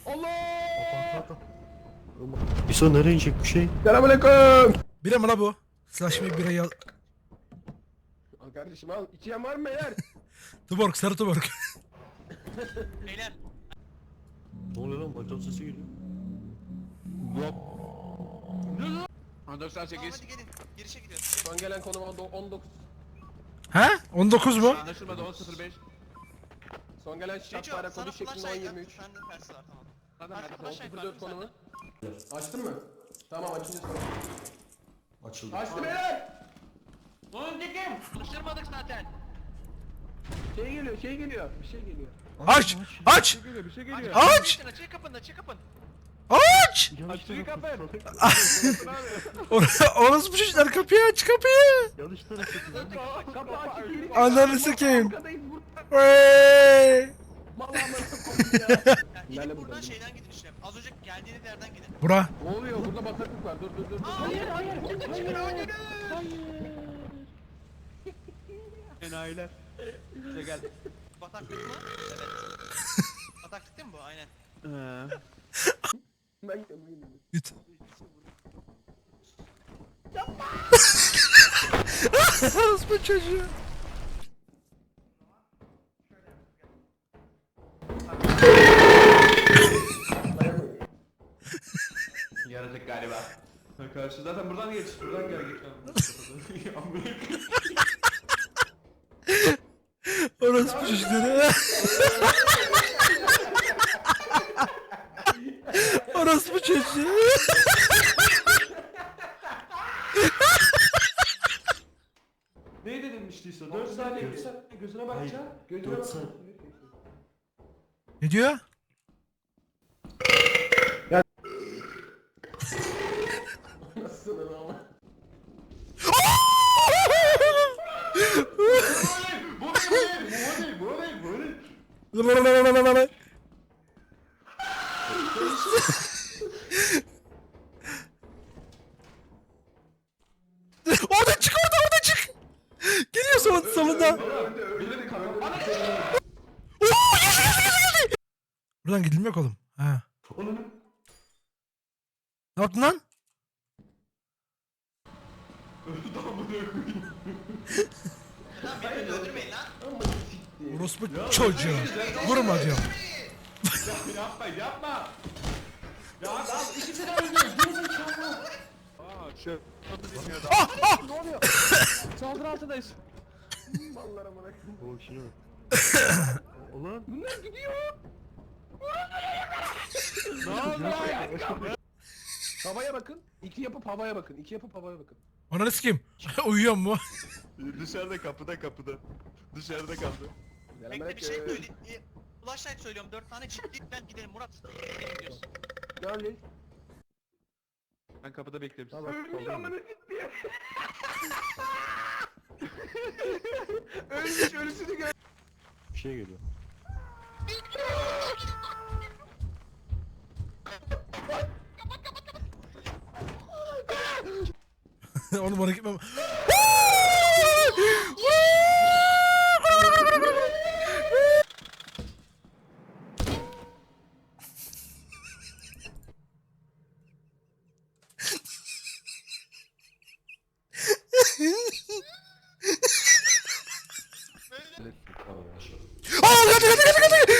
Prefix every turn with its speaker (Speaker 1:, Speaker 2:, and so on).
Speaker 1: Allah!
Speaker 2: İso nereye inecek bir şey?
Speaker 1: Selamünaleyküm.
Speaker 3: Bira mı la bu? Slaşmayı birayı al.
Speaker 1: Al kardeşim al. İçeyen var mı beyler?
Speaker 3: Tuborg, sarı tuborg.
Speaker 4: Beyler.
Speaker 2: Ne oluyor lan? Bacak sesi geliyor.
Speaker 1: Ha 98.
Speaker 4: Tamam hadi gelin. Girişe gidiyoruz.
Speaker 1: Son gelen konum 19.
Speaker 3: He? 19 mu?
Speaker 1: Anlaşılmadı 10.05. Son gelen
Speaker 4: Neco
Speaker 1: şartlara
Speaker 4: sana
Speaker 1: kodu şeklinde
Speaker 4: flashlight
Speaker 1: 10.23.
Speaker 4: at. Sende tersi var tamam.
Speaker 1: Zaten
Speaker 4: Hadi flashlight var
Speaker 1: 10.04
Speaker 4: değil mi
Speaker 1: konumu. Açtın mı? Tamam açınca sonra.
Speaker 2: Açıldı.
Speaker 1: Açtı beyler! Lan dikim!
Speaker 4: Konuşturmadık zaten.
Speaker 1: Şey geliyor. Bir şey geliyor.
Speaker 3: Aç! Aç!
Speaker 1: Bir şey geliyor.
Speaker 3: Aç!
Speaker 4: Açık kapını açık kapını.
Speaker 3: Aç!
Speaker 1: Açtı kapı.
Speaker 3: Orası bu çocuklar kapıyı aç kapıyı!
Speaker 2: Yanlış tarafa
Speaker 1: Kapı açık değil.
Speaker 3: Ananı sikeyim.
Speaker 1: Arkadayız burada.
Speaker 3: Hey!
Speaker 1: Vallahi ya.
Speaker 4: Ya
Speaker 1: Lale
Speaker 4: gidip buradan
Speaker 1: burada.
Speaker 4: şeyden gidin işte. Az önce geldiğiniz yerden gidin.
Speaker 3: Bura.
Speaker 1: Ne oluyor? Burada bataklık var. Dur.
Speaker 4: Hayır.
Speaker 1: Enayiler. Size gel.
Speaker 4: Bataklık mı? Evet. Bataklık değil mi bu? Aynen.
Speaker 1: Ben gidiyorum.
Speaker 3: Git. Orospu çocuğu.
Speaker 1: Yaratık galiba. Karşı zaten buradan geç. Buradan gel geç.
Speaker 3: Orospu çocukları. Orospu çocuğu.
Speaker 1: Ne denilmiştiyse 4 saniye gözüne bakacağım. Gözüne
Speaker 2: 4
Speaker 1: bak.
Speaker 2: saat.
Speaker 3: Ne diyor?
Speaker 1: Nasılsın ama? Bu değil.
Speaker 3: Orada çık orada çık. Geliyor sonunda.
Speaker 1: Birileri kamera.
Speaker 3: Buradan gidilmiyor oğlum. Ha. Ne yaptın lan?
Speaker 4: Lan beni öldürmeyin lan.
Speaker 3: Orospu çocuğu. Vurma diyorum.
Speaker 1: Yapma. Ya ikisi de öldü. Ne oluyor? Saldırı altındayız. Mallara bırak.
Speaker 2: O şuna. Ulan.
Speaker 1: Bunlar gidiyor. Havaya bakın. İki yapıp havaya bakın.
Speaker 3: Ananı sikeyim. Uyuyor mu?
Speaker 2: Dışarıda kapıda. Dışarıda kaldı.
Speaker 4: Bekle bir şey söyleyeyim. Flashlight söylüyorum. 4 tane çık git ben gidelim Murat. Gidiyoruz.
Speaker 1: Ne oluyor?
Speaker 5: Ben kapıda beklerim.
Speaker 2: Tamam.
Speaker 1: Ölmüş ölüsünü gör.
Speaker 2: Bir şey geliyor.
Speaker 3: Oğlum bana gitmem. Aa kaçtı.